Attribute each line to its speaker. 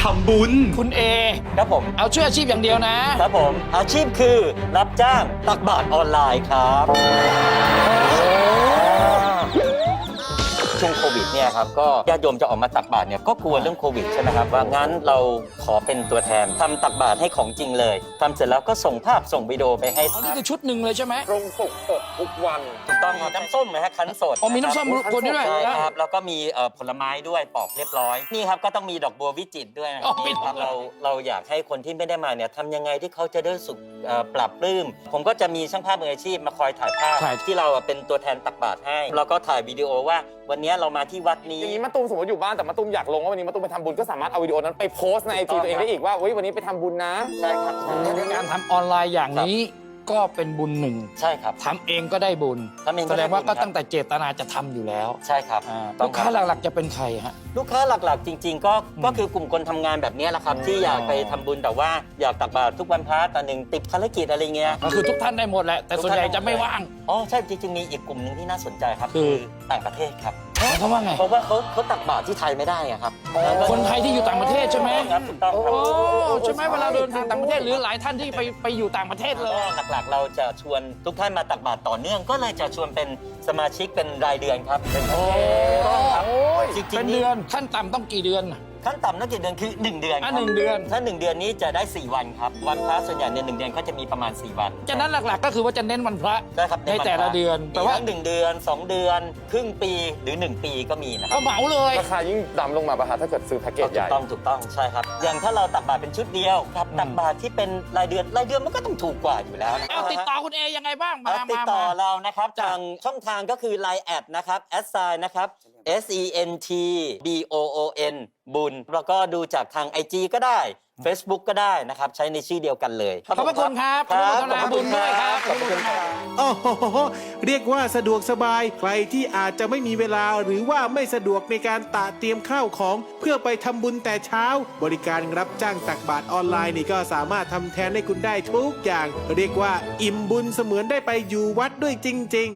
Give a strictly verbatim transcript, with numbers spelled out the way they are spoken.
Speaker 1: ำบุญ
Speaker 2: คุณเอ
Speaker 3: ครับผม
Speaker 2: เอาช่วยอาชีพอย่างเดียวนะครับ
Speaker 3: ผมอาชีพคือรับจ้างตักบาตรออนไลน์ครับช่วงโควิดเนี่ยครับก็ญาติโยมจะออกมาตักบาตรเนี่ยก็กลัวเรื่องโควิดใช่ไหมครับว่างั้นเราขอเป็นตัวแทนทำตักบาตรให้ของจริงเลยทำเสร็จแล้วก็ส่งภาพส่งวิดีโอไปให้
Speaker 2: อ๋อนี่คือชุดหนึ่งเลยใช่ไหม
Speaker 4: ตรงปกปกทุกวัน
Speaker 3: ถูกต้องครับน้ำส้มนะฮะคั้นสด
Speaker 2: อ๋อมีน้ำส้มคนด้วย
Speaker 3: ใช่ครับแล้วก็มีเอ่อผลไม้ด้วยปอกเรียบร้อยนี่ครับก็ต้องมีดอกบัววิจิตรด้วยนะค
Speaker 2: อ๋
Speaker 3: รั
Speaker 2: อบ มี
Speaker 3: นี่ครับเราเราอยากให้คนที่ไม่ได้มาเนี่ยทำยังไงที่เขาจะได้สุขเอ่อปรับปลื้มผมก็จะมีช่างภาพมืออาชีพมาคอยถ่ายภาพที่เราเป็นตัวแทนตักบาตรให้แล้วก็ถ่ายวิดีโอว่าวันนี้เรามาที่วัดนี้
Speaker 4: อย่างนี้มะตูมสมมติอยู่บ้านแต่มะตูมอยากลงว่าวันนี้มะตูมไปทำบุญก็สามารถเอาวิดีโอนั้นไปโพสต์ในไอจีตัวเองได้อีกว่าเฮ้ยวันนี้ไปทำบุญนะ
Speaker 3: ใช่ครับใช่
Speaker 2: การทำออนไลน์อย่างนี้ก็เป็นบุญหนึ่ง
Speaker 3: ใช่ครับ
Speaker 2: ทำเองก็ได้บุญ
Speaker 3: ทำเองก็
Speaker 2: แสด
Speaker 3: ได้
Speaker 2: ง
Speaker 3: บุญ
Speaker 2: ว่าก็
Speaker 3: ครับ
Speaker 2: ตั้งแต่เจตนาจะทำอยู่แล้ว
Speaker 3: ใช่ครับ
Speaker 2: อ่า
Speaker 3: ต้
Speaker 2: ลู
Speaker 3: อง
Speaker 2: ก
Speaker 3: ครับ
Speaker 2: ค้าหลักๆจะเป็นใครฮะ
Speaker 3: ลูกค้าหลักๆ จริง ๆ ก็ก็คือกลุ่มคนทำงานแบบนี้แหละครับที่อยากไปทำบุญแต่ว่าอยากตักบาตรทุกวันพระแต่หนึ่งติดภารกิจอะไรเงี้ย
Speaker 2: ก็คือทุกท่านได้หมดแหละแต่ส่วนใหญ่จะไม่ว่าง
Speaker 3: อ๋อใช่จริงๆมีอีกกลุ่มหนึ่งที่น่าสนใจครับ
Speaker 2: คือ
Speaker 3: ต่างประเทศครับ
Speaker 2: เพราะว่าไง
Speaker 3: เพราะว่าเขาเขาตักบาตรที่ไทยไม่ได้อะครับ
Speaker 2: คนไทยที่อยู่ต่างประเทศใช่ไหม
Speaker 3: ครับถูกต้องครับ
Speaker 2: โอ้ใช่ไหมเวลาเดินทางต่างประเทศหรือหลายท่านที่ไปไปอยู่ต่างประเทศเลย
Speaker 3: ก็หลักๆ เราจะชวนทุกท่านมาตักบาตรต่อเนื่อง ก็เลยจะชวนเป็นสมาชิกเป็นรายเดือนครับเป็น
Speaker 2: โอ้
Speaker 3: ครับจริงๆ
Speaker 2: เป็นเดือนขั้นต่ำต้องกี่เดือน
Speaker 3: ขั้นต่ำนักกี่เดือนคือหนึ่งเดือน
Speaker 2: อ่ะ
Speaker 3: ครับ
Speaker 2: หนึ่งเดือน
Speaker 3: ถ้าหนึ่งเดือนนี้จะได้สี่วันครับวันพระส่วนใหญ่เนี่ยหนึ่งเดือนก็จะมีประมาณสี่วัน
Speaker 2: ฉะนั้นหลักๆก็คือว่าจะเน้นวันพระ
Speaker 3: ได้ครับ
Speaker 2: ในแต่ละเดือน
Speaker 3: แต่
Speaker 2: แต่
Speaker 3: ว่า
Speaker 2: ว่า
Speaker 3: หนึ่งเดือนสองเดือนครึ่งปีหรือหนึ่งปีก็มีนะค
Speaker 2: ก็
Speaker 3: รับ
Speaker 2: เหมาเลย
Speaker 4: ราคายิ่งดำลงมาป่ะฮะถ้าเกิดซื้อแพ็กเกจให
Speaker 3: ถู
Speaker 4: ญ่
Speaker 3: กต้องถูกต้องใช่ครับอย่างถ้าเราตักบาตรเป็นชุดเดียวครับตักบาตรที่เป็นรายเดือนรายเดือนมันก็ต้องถูกกว่าอยู่แล้วนะ
Speaker 2: เอาติดต่อคุณเอยังไงบ้างมา
Speaker 3: เอาติด
Speaker 2: มา
Speaker 3: ต่อ
Speaker 2: มา
Speaker 3: เรานะครับ
Speaker 2: จ้ะ
Speaker 3: ทางช่องทางก็คือ ไลน์ แอดนะครับแอดไซน์นะครับ S E N T B O O N บุญแล้วก็ดูจากทาง ไอ จี ก็ได้ Facebook ก็ได้นะครับใช้ในชื่อเดียวกันเลย
Speaker 2: ขอบพระคุณครับ
Speaker 3: ค
Speaker 2: อ
Speaker 3: รับ
Speaker 2: นุโมทนาบุญด้วยครับ
Speaker 3: ขอบคุณครับ
Speaker 5: โอ้โหเรียกว่าสะดวกสบายใครที่อาจจะไม่มีเวลาหรือว่าไม่สะดวกในการตะเตรียมข้าวของ เพื่อไปทำบุญแต่เช้า บริการรับจ้างตักบาตรออนไลน์นี่ก็สามารถทำแทนให้คุณได้ทุกอย่าง เรียกว่าอิ่มบุญเสมือนได้ไปอยู่วัดด้วยจริง ๆ